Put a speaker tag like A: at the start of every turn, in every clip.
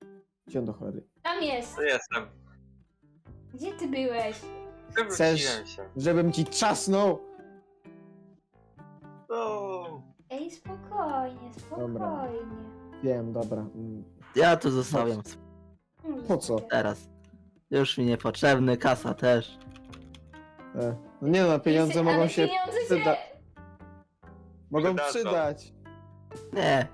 A: Gdzie on do cholery?
B: Tam jest.
C: Tu jestem.
B: Gdzie ty byłeś?
C: Wywróciłem się.
A: Żebym ci trzasnął?
C: No.
B: Ej, spokojnie, spokojnie.
A: Wiem, dobra.
D: Ja tu zostawiam
A: Po co?
D: teraz. Już mi niepotrzebny, kasa też.
A: No nie no, pieniądze
B: Ale
A: mogą się
B: pieniądze
A: przyda... Mogą
C: Przydadzą.
A: przydać.
D: Nie.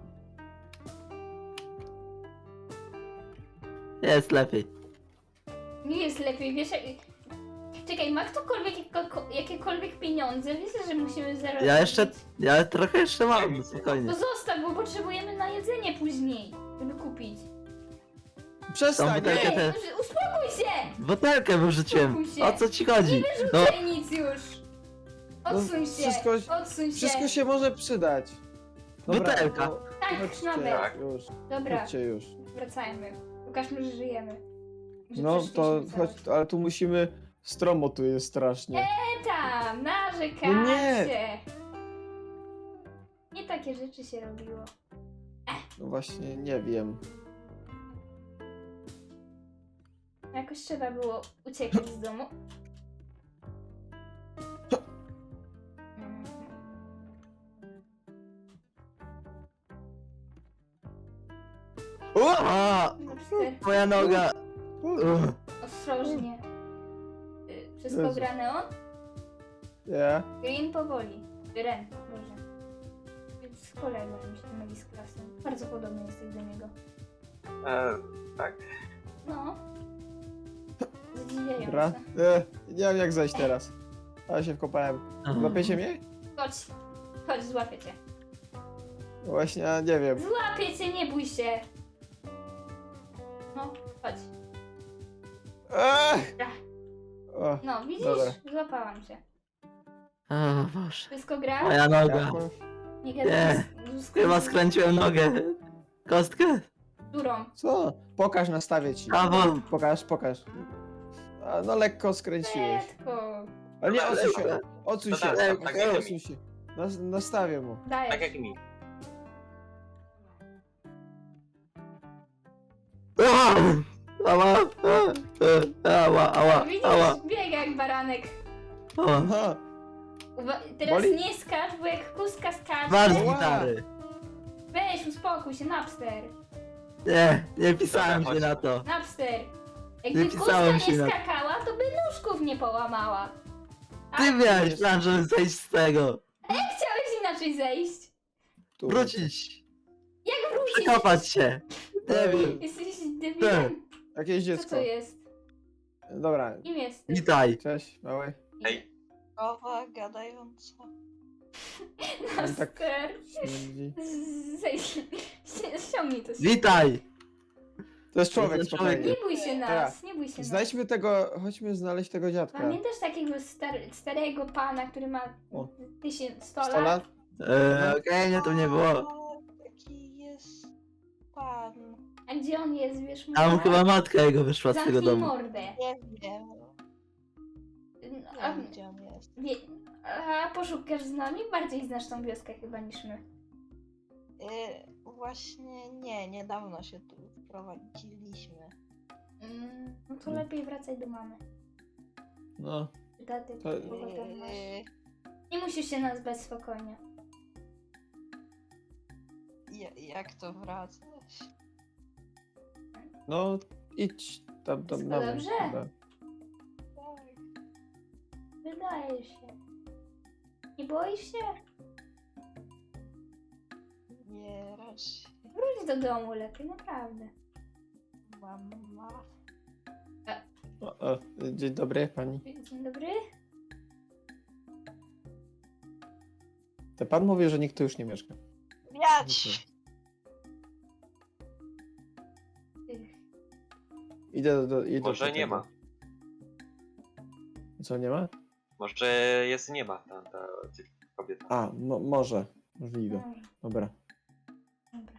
D: Jest lepiej.
B: Nie jest lepiej, wiesz... Czekaj, ma ktokolwiek jakiekolwiek pieniądze? Wiesz, że musimy zarobić.
D: Ja trochę jeszcze mam, spokojnie.
B: To zostaw, bo potrzebujemy na jedzenie później, żeby kupić.
A: Przestań!
D: Tą butelkę
B: Nie,
D: te-
B: uspokój się!
D: Butelkę wyrzuciłem.
B: Spokój się.
D: O co ci chodzi? No,
B: Wyrzucaj nic już! Odsuń się!
A: wszystko-
B: Odsuń się!
A: Wszystko się może przydać. Dobra,
D: Butelka.
A: no,
B: Tak,
A: chodźcie,
B: nawet.
A: już.
B: Dobra,
A: Chodźcie już.
B: wracajmy. Pokażmy, że żyjemy. Że
A: No to
B: przeszliśmy
A: chodź,
B: całość.
A: ale tu musimy... Stromo tu jest strasznie.
B: Tam, narzekacie!
A: No nie.
B: Nie takie rzeczy się robiło.
A: No właśnie, nie wiem.
B: Jakoś trzeba było uciekać z domu. Mhm.
A: O!
D: a,
B: Napster,
D: moja noga.
B: ostrożnie. Wszystko
A: Jezu.
B: grane on?
A: Nie.
B: Green powoli. Ren, Boże. Z kolegą mi myli z klasą. Bardzo podobny jesteś do niego.
C: Tak?
B: No. Zadziwiające.
A: Dobra. Nie wiem jak zejść teraz. Ale się wkopałem. Złapiecie mnie?
B: Chodź. Chodź, złapię cię.
A: No właśnie, ja nie wiem.
B: Złapię cię, nie bój się. No, chodź.
A: Ech! O,
B: No, widzisz?
A: Dobra.
B: Złapałam cię.
D: O Boże.
B: Wszystko gra?
D: Moja noga.
B: Nie
D: Nie.
B: gadaj z
D: Chyba skręciłem nogę. Kostkę?
B: durą.
A: Co? Pokaż, nastawię ci.
D: Brawo.
A: Pokaż. A, no lekko skręciłeś.
B: Letko.
A: Ale nie,
C: Dobra,
A: odsuń się.
D: dobra.
A: Odsuń
C: No
A: się.
C: tak,
D: tak,
C: tak,
A: Odsuń się. Nastawię mu.
B: Dajesz.
C: Tak jak mi.
D: Ała! Ała! Ała! Ała!
B: Widzisz?
D: Ała!
B: Biega jak baranek.
D: Ała!
A: Aha.
B: Teraz
A: Boli?
B: nie skacz, bo jak kuska
D: Masz
B: skacze...
A: Ała.
D: gitary!
B: Weź, uspokój się, Napster.
D: Nie pisałem
C: Dobra,
D: się
C: chodź.
D: na to.
B: Napster. Jakby
D: Nie
B: kuska
D: pisałem
B: nie
D: się na-
B: skakała, to by nóżków nie połamała. A
D: Ty miałeś plan, żeby zejść z tego.
B: chciałeś inaczej zejść.
A: Tu.
D: Wrócić.
B: Jak wrócić?
D: Przekopać się. Nie wiem.
B: Jesteś debilem.
A: Jakieś
B: Co
A: dziecko.
B: to jest?
A: Dobra.
B: Kim jesteś?
D: Witaj.
A: Cześć, mały.
C: Ej.
E: Krowa gadająca.
A: On tak
B: Napster.
A: śmierdzi.
B: Zejdź. Ściągnij to.
D: Witaj.
A: To jest człowiek,
D: To jest
A: spokojnie.
D: człowiek.
B: Nie bój się nas,
A: Teraz.
B: nie bój się nas.
A: Znajdźmy tego, chodźmy znaleźć tego dziadka.
B: Pamiętasz takiego starego pana, który ma
A: O.
B: 1100
A: 100 lat?
D: Okej, nie, to nie było.
E: Taki jest pan.
B: A gdzie on jest, wiesz mu?
D: Tam chyba matka jego wyszła z tego
B: Zamknij
D: domu.
B: mordę.
E: Nie wiem.
B: A,
E: Nie wiem, gdzie on jest.
B: a poszukasz z nami? Bardziej znasz tą wioskę chyba niż my.
E: Właśnie nie, niedawno się tu wprowadziliśmy.
B: No to lepiej wracaj do mamy.
A: No.
B: Czy taty,
A: To-
B: kogo tam masz.
E: Yy,
B: Nie musisz się nazwać spokojnie.
E: jak to wracać?
A: No, idź tam
B: Wszystko
A: na mnie.
B: dobrze?
A: Dobra.
E: Tak.
B: Wydaje się. Nie boisz się?
E: Nie, raczej
B: Wróć do domu lepiej, naprawdę.
E: mama.
A: O, dzień dobry, pani.
B: Dzień dobry.
A: To pan mówi, że nikt tu już nie mieszka.
E: Wiać!
A: Idę do
C: Może nie
A: tego.
C: ma.
A: Co, nie ma?
C: Może jest nie ma ta kobieta.
A: A, może. Możliwe.
B: Może,
A: Dobra.
B: dobra.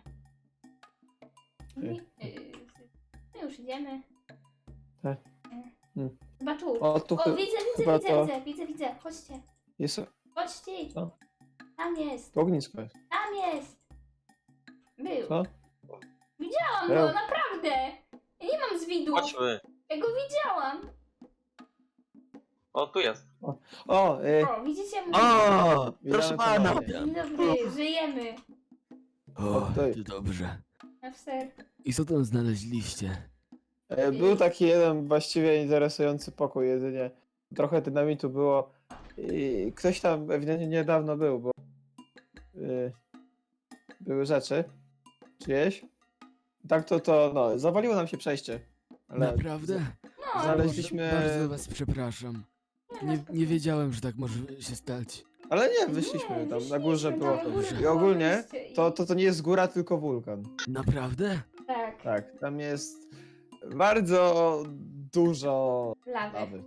B: My już idziemy.
A: Tak.
B: Chyba tu.
A: O, tu
B: O,
A: chyba to-
B: widzę. Chodźcie.
A: jest
B: Chodźcie.
A: Co?
B: Tam jest.
A: to ognisko jest.
B: Tam jest. Był.
A: Co?
B: Widziałam
A: Był.
B: go, naprawdę widłów.
C: Chodźmy.
B: Ja go widziałam.
C: O, tu jest.
A: O,
B: O, widzicie?
D: O,
A: Witamy
D: proszę pana.
A: ponownie.
B: Dzień dobry, żyjemy.
F: O,
A: Tutaj.
F: to dobrze.
B: After.
F: I co tam znaleźliście?
A: Był taki jeden właściwie interesujący pokój jedynie. Trochę dynamitu było. I ktoś tam ewidentnie niedawno był, bo były rzeczy czyjeś. Tak no, zawaliło nam się przejście. Ale
F: Naprawdę?
B: No,
A: znaleźliśmy...
F: Bardzo was przepraszam. Nie wiedziałem, że tak może się stać.
A: Ale nie, wyszliśmy tam, na górze
B: wyszliśmy,
A: było.
B: tam na górze
A: I
B: było
A: ogólnie
B: wyjście i-
A: to nie jest góra, tylko wulkan.
F: Naprawdę?
B: Tak,
A: Tak, tam jest bardzo dużo
B: lawę.
A: lawy.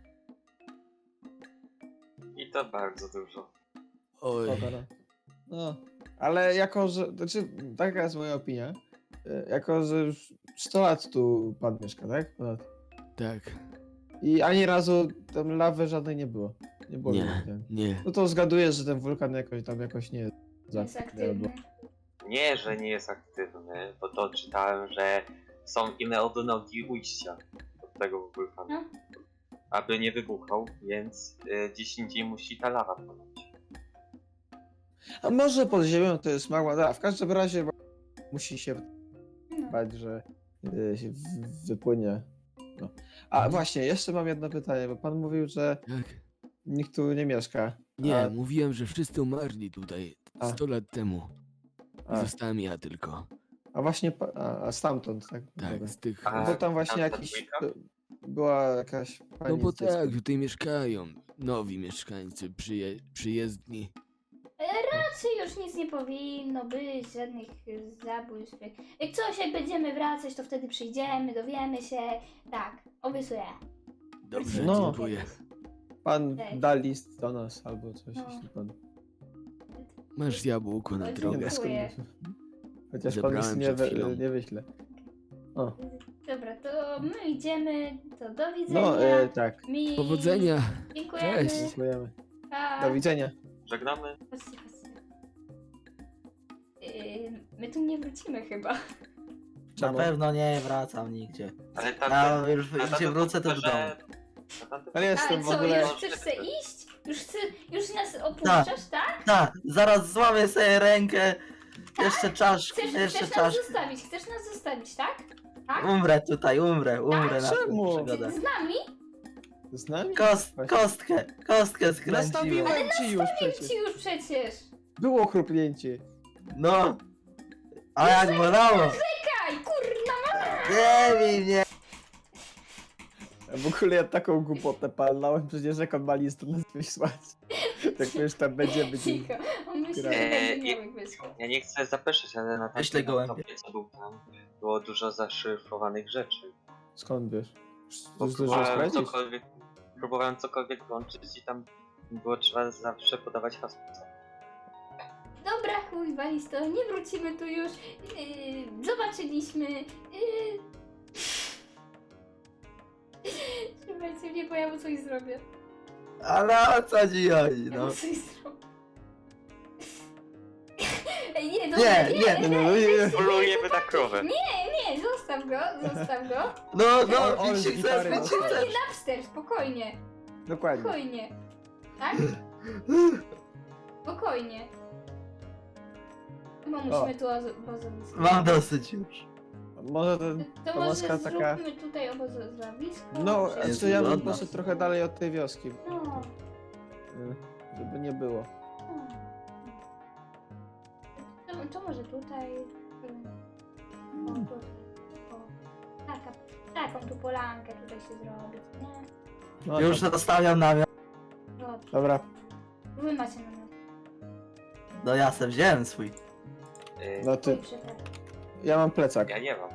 C: I to bardzo dużo.
F: Oj,
A: No, ale jako, że, znaczy, taka jest moja opinia, jako, że już 100 lat tu pan mieszka, tak? Ponad.
F: tak.
A: I ani razu tam lawy żadnej nie było. Nie było.
F: Nie,
A: nigdy.
F: nie.
A: No to zgaduję, że ten wulkan jakoś nie jest
B: Jest aktywny.
C: Nie, że nie jest aktywny, bo to czytałem, że są inne odnogi ujścia od tego wulkanu.
B: No.
C: Aby nie wybuchał, więc gdzieś indziej musi ta lawa płynąć.
A: A może pod ziemią to jest mała, w każdym razie musi się
B: No.
A: bać, że się wypłynie. No. A właśnie, jeszcze mam jedno pytanie, bo pan mówił, że
F: Tak.
A: nikt tu nie mieszka.
F: Nie,
A: A-
F: mówiłem, że wszyscy umarli tutaj
A: A.
F: 100 lat temu.
A: A,
F: Zostałem ja tylko.
A: a właśnie, a stamtąd, tak?
F: Tak,
A: Dobra.
F: z tych...
C: A-
A: Bo tam właśnie
C: tamta
A: jakiś,
C: dwójka?
A: była jakaś pani
F: No bo
A: z dzieckiem.
F: tak, tutaj mieszkają nowi mieszkańcy przyjezdni.
B: Raczej już nic nie powinno być, żadnych zabójstw. Jak coś, jak będziemy wracać, to wtedy przyjdziemy, dowiemy się. Tak, obiecuję.
F: Dobrze,
A: No.
F: dziękuję.
A: Pan
B: Cześć.
A: da list do nas albo coś,
B: No.
A: jeśli pan...
F: Masz jabłko na
B: Oj,
F: drogę.
B: dziękuję.
A: skąd- Chociaż pan
F: Zebrałem
A: nic
F: przed chwilą.
A: nie wyśle. O,
B: Dobra, to my idziemy, to do widzenia.
A: no tak,
B: Mi...
F: Powodzenia.
B: Dziękujemy.
F: Cześć.
A: dziękujemy.
B: Pa.
A: Do widzenia.
C: Żegnamy.
B: Chodźcie, chodźcie. My tu nie wrócimy chyba.
D: Na
A: Czemu?
D: pewno nie wracam nigdzie.
C: Ale
D: Ja
C: tamten...
D: już gdzie wrócę, to w domu.
A: Ale jestem
B: Ale
A: w
B: co,
A: ogóle...
B: już chcesz se iść? Już nas opuszczasz, tak?
D: Tak, zaraz złamię sobie rękę. Jeszcze czaszkę,
B: Chcesz
D: jeszcze
B: nas
D: czaszkę.
B: zostawić, chcesz nas zostawić, tak? Tak?
D: Umrę tutaj, umrę na tę
A: czemu?
D: przygodę.
B: Z nami?
A: Z nami?
D: Kostkę skręciłem.
A: Nastawiłem ci już przecież.
B: Ci już przecież.
A: Było chrupnięcie.
D: No. A jak bolało.
B: Kaj, kurna,
D: Nie bij mnie.
A: W ogóle ja taką głupotę palnąłem, przecież jak on ma list do nas wysłać. Tak wiesz, tam będziemy...
B: cicho. On myśli, że
C: Eee,
B: będzie miałek wyszło.
C: Ja nie chcę zapeszać, ale na
D: Wyślę
C: tamtym
D: gołębia.
C: laptopie, co był tam, było dużo zaszyfrowanych rzeczy.
A: Skąd wiesz?
C: Bo
A: Już zdążyłeś sprawdzić?
C: próbowałem cokolwiek włączyć i tam było trzeba zawsze podawać hasło.
B: Dobra, chuj, walis to, nie wrócimy tu już. Zobaczyliśmy. Słuchajcie mnie, bo ja mu coś zrobię.
D: Ale o co ci chodzi,
B: Ja
D: no?
B: mu coś zrobię. Ej, nie,
D: Nie,
B: dobra,
D: nie,
A: nie.
C: Polujemy na krowę.
B: Nie, zostaw go.
D: No,
A: O,
D: bić się
A: z
D: chcesz,
A: gitary
D: bić się
A: dostałem.
D: chcesz.
B: Napster, spokojnie.
A: Dokładnie.
B: Spokojnie. Tak? Spokojnie. Bo musimy tu obozowisko.
D: Mam dosyć już.
A: Może ten...
B: To
A: to
B: może
A: maska taka-
B: zróbmy tutaj obozowisko.
A: No,
B: żeby-
D: Jest
A: to ja bym
D: ładna.
A: poszedł trochę dalej od tej wioski,
B: No.
A: żeby nie było.
B: To może tutaj. O, tutaj. O. Taką tu polankę tutaj się zrobić, nie?
A: No,
D: Już
A: tam.
D: zostawiam namiot.
B: Dobrze.
A: Dobra.
B: Wy macie namiot.
D: No ja se wziąłem swój.
A: No ty,
B: Oj, przepraszam.
A: ja mam plecak.
C: Ja nie mam.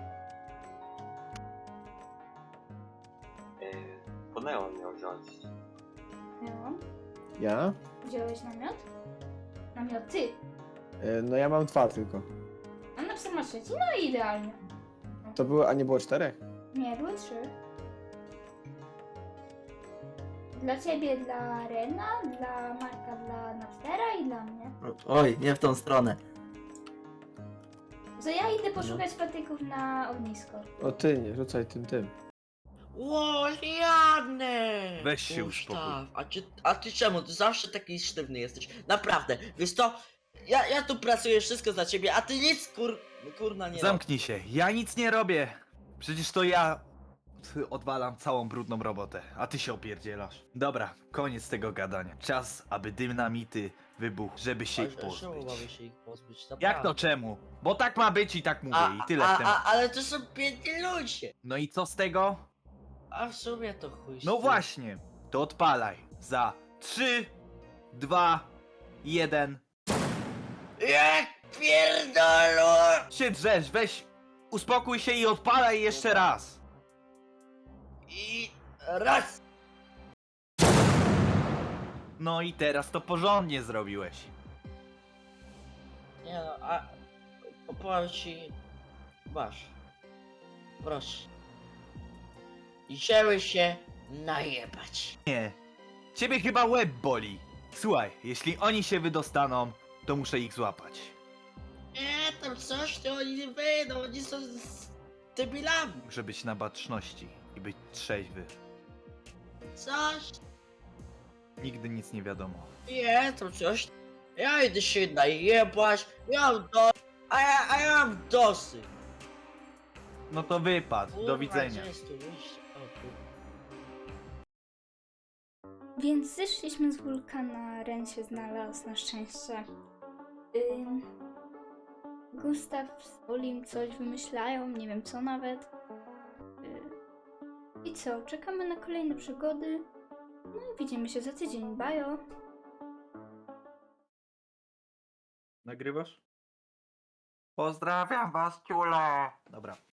C: Po Neon miał wziąć.
B: No.
A: Ja?
B: Wziąłeś namiot? Namiot ty.
A: No ja mam 2 tylko.
B: A na psa masz 3. No i idealnie.
A: To było, a nie było 4?
B: Nie, były 3. Dla ciebie, dla Rena, dla Marka, dla Napstera i dla mnie.
D: Oj, nie w tą stronę.
B: To ja idę poszukać patyków na ognisko.
A: O ty, nie rzucaj tym.
G: Ło, Janek!
H: Weź się
G: Gustaw,
H: uspokój.
G: a ty czemu? Ty zawsze taki sztywny jesteś. Naprawdę, wiesz to? Ja tu pracuję wszystko za ciebie, a ty nic kurna nie robisz.
H: Zamknij się, ja nic nie robię. Przecież to ja odwalam całą brudną robotę, a ty się opierdzielasz. Dobra, koniec tego gadania. Czas, aby dynamity wybuchł, żeby się ich
G: Czemu mamy
H: pozbyć.
G: się ich pozbyć?
H: Jak
G: Naprawdę.
H: to czemu? Bo tak ma być i tak mówię i tyle w temat.
G: Ale to są biedni ludzie.
H: No i co z tego?
G: A w sumie to chuj. z
H: No
G: tym.
H: właśnie, to odpalaj. Za 3, 2, 1.
G: Jak pierdolą!
H: Się drzesz, weź, uspokój się i odpalaj jeszcze raz.
G: I raz!
H: No i teraz to porządnie zrobiłeś.
G: Nie no, a powiem ci... Masz. Proszę. Idziemy się najebać.
H: Nie, ciebie chyba łeb boli. Słuchaj, jeśli oni się wydostaną, to muszę ich złapać.
G: Nie, tam coś, to oni nie wyjdą, oni są debilami.
H: Muszę być na baczności i być trzeźwy.
G: Coś,
H: Nigdy nic nie wiadomo.
G: nie, tam coś. Ja idę się najebać, ja mam a ja mam dosyć.
H: No to wypad,
G: Kurwa,
H: do widzenia.
G: gdzie jest tu wyjście? O, tu.
B: Więc zeszliśmy z wulkana, Ren się znalazł na szczęście. Gustaw z Olim coś wymyślają, nie wiem co nawet. I co, czekamy na kolejne przygody. No i widzimy się za tydzień, bajo.
H: Nagrywasz? Pozdrawiam was, ciule! Dobra.